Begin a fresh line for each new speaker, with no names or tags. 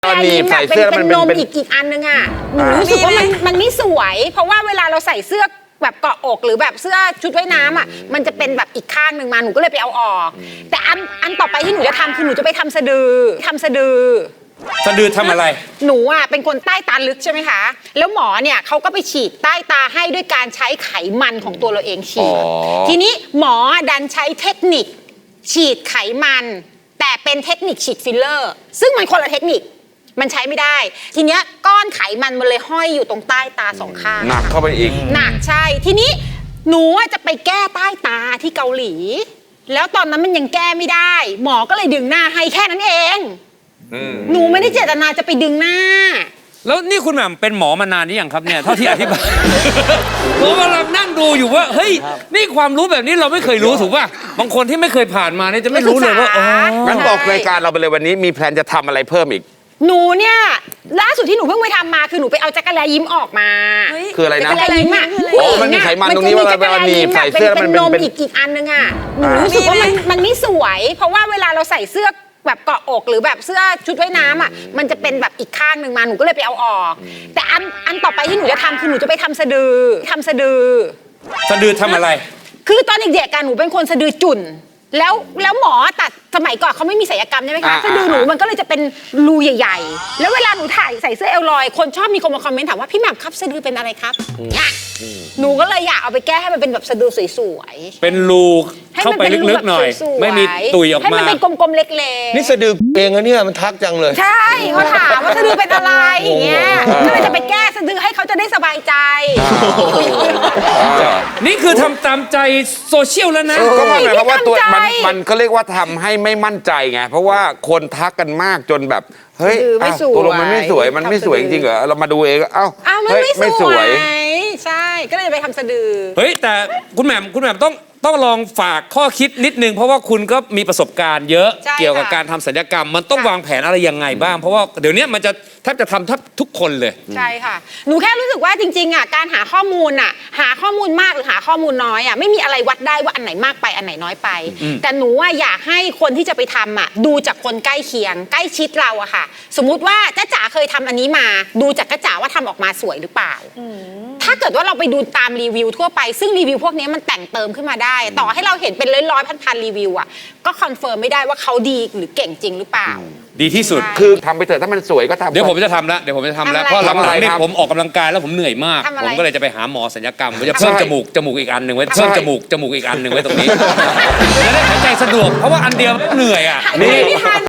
มีใส่เสื้อมันเป็นนม
อีกอันนึงอ่ะหนูรู้สึกว่ามันไม่สวยเพราะว่าเวลาเราใส่เสื้อแบบเกาะอกหรือแบบเสื้อชุดว่ายน้ำอ่ะมันจะเป็นแบบอีกข้างหนึ่งมาหนูก็เลยไปเอาออกแต่อันต่อไปที่หนูจะทำคือหนูจะไปทำสะดือสะดือ
ทำอะไร
หนูอ่ะเป็นคนใต้ตาลึกใช่ไหมคะแล้วหมอเนี่ยเขาก็ไปฉีดใต้ตาให้ด้วยการใช้ไขมันของตัวเราเองฉีดทีนี้หมอดันใช้เทคนิคฉีดไขมันแต่เป็นเทคนิคฉีดฟิลเลอร์ซึ่งมันคนละเทคนิคมันใช้ไม่ได้ทีเนี้ยก้อนไขมันมันเลยห้อยอยู่ตรงใต้ตาสองข้าง
หนักเข้าไปอีก
หนักใช่ทีนี้หนูจะไปแก้ใต้ตาที่เกาหลีแล้วตอนนั้นมันยังแก้ไม่ได้หมอก็เลยดึงหน้าให้แค่นั้นเองหนูไม่ได้เจตนาจะไปดึงหน้า
แล้วนี่คุณแหม่มเป็นหมอมานานนี่ยังครับเนี่ยเท่าที่อธิบายผมกำลังนั่งดูอยู่ว่าเฮ้ยนี่ความรู้แบบนี้เราไม่เคยรู้ถูกป่ะบางคนที่ไม่เคยผ่านมาเนี่ยจะไม่รู้เลยว่า
งั้นบอกรายการเราไปเลยวันนี้มีแพลนจะทำอะไรเพิ่มอีก
หนูเนี่ยล่าสุดที่หนูเพิ่งไปทำมาคือหนูไปเอาจักรแลยิ้มออกมา
คืออะไรนะ
จักรแลยิ้มอ่ะ
มันมีไขมันตรงนี้ว่ามันมีใส่เสื้อมัน
เป็นอีกอันนึงอ่ะหนูรู้สึกว่ามันไม่สวยเพราะว่าเวลาเราใส่เสื้อแบบเกาะอกหรือแบบเสื้อชุดว่ายน้ำอ่ะมันจะเป็นแบบอีกข้างหนึ่งมาหนูก็เลยไปเอาออกแต่อันต่อไปที่หนูจะทำคือหนูจะไปทำสะดือ
สะดือทำอะไร
คือตอนเด็กๆกันหนูเป็นคนสะดือจุ่นแล้วหมอตัดสมัยก่อนเขาไม่มีศัลยกรรมใช่ไหมคะสะดือหนูมันก็เลยจะเป็นรูใหญ่ๆแล้วเวลาหนูถ่ายใส่เสื้อเอลลอยคนชอบมีคนมาคอมเมนต์ถามว่าพี่แหม่มครับสะดือเป็นอะไรครับหนูก็เลยอยากเอาไปแก้ให้มันเป็นแบบสะดือสวย
ๆเป็นรูเข้าไปลึกๆหน่อยไม่มีตุยออกมาให้
มันเป็นกลมๆเล็กๆ
นี่สะดือเองอะเนี่ยมันทักจังเลย
ใช่เขาถามว่าสะดือเป็นอะไรอย่างเงี้ยก็เลยจะไปแก้สะดือให้เขาจะได้สบายใจ
นี่คือทำตามใจโซเชียลแล้วนะ
ก็หมายความว่าตัวมันก็เรียกว่าทำให้ไม่มั่นใจไงเพราะว่าคนทักกันมากจนแบบเฮ้ยตัวลงมันไม่สวยจริงๆเหรอเรามาดูเองเอ้า
มันไม่สวยใช่ก็เลยไปทำสะดือ
เฮ้ยแต่คุณแหม่มต้องลองฝากข้อคิดนิดนึงเพราะว่าคุณก็มีประสบการณ์เยอะเกี่ยวกับการทำศัลยกรรมมันต้องวางแผนอะไรยังไงบ้างเพราะว่าเดี๋ยวนี้มันจะแทบจะทำทุกคนเลย
ใช่ค่ะหนูแค่รู้สึกว่าจริงๆอ่ะการหาข้อมูลอ่ะหาข้อมูลมากหรือหาข้อมูลน้อยอ่ะไม่มีอะไรวัดได้ว่าอันไหนมากไปอันไหนน้อยไปแต่หนูอ่ะอยากให้คนที่จะไปทำอ่ะดูจากคนใกล้เคียงใกล้ชิดเราอะค่ะสมมุติว่าจ๊ะจ๋าเคยทำอันนี้มาดูจากจ๊ะจ๋าว่าทำออกมาสวยหรือเปล่าถ้าเกิดว่าเราไปดูตามรีวิวทั่วไปซึ่งรีวิวพวกนี้มันแต่งเติมขึ้นมาได้ต่อให้เราเห็นเป็นร้อยพันรีวิวอ่ะก็คอนเฟิร์มไม่ได้ว่าเขาดีหรือเก่งจริงหรือเปล่า
ดีที่สุด
คือทำไปเถอะถ้ามันสวยก็ทำ
เดี๋ยวผมจะทำแล้วเพราะหลังๆนี่ผมออกกำลังกายแล้วผมเหนื่อยมากผมก็เลยจะไปหาหมอศัลยกรรมผมจะเพิ่มจมูกอีกอันหนึ่งไว้เพิ่มจมูกอีกอันหนึ่งไว้ตรงนี้จะได้หายใจสะดวกเพราะว่าอันเดียวเหนื่อยอ่ะ
นี่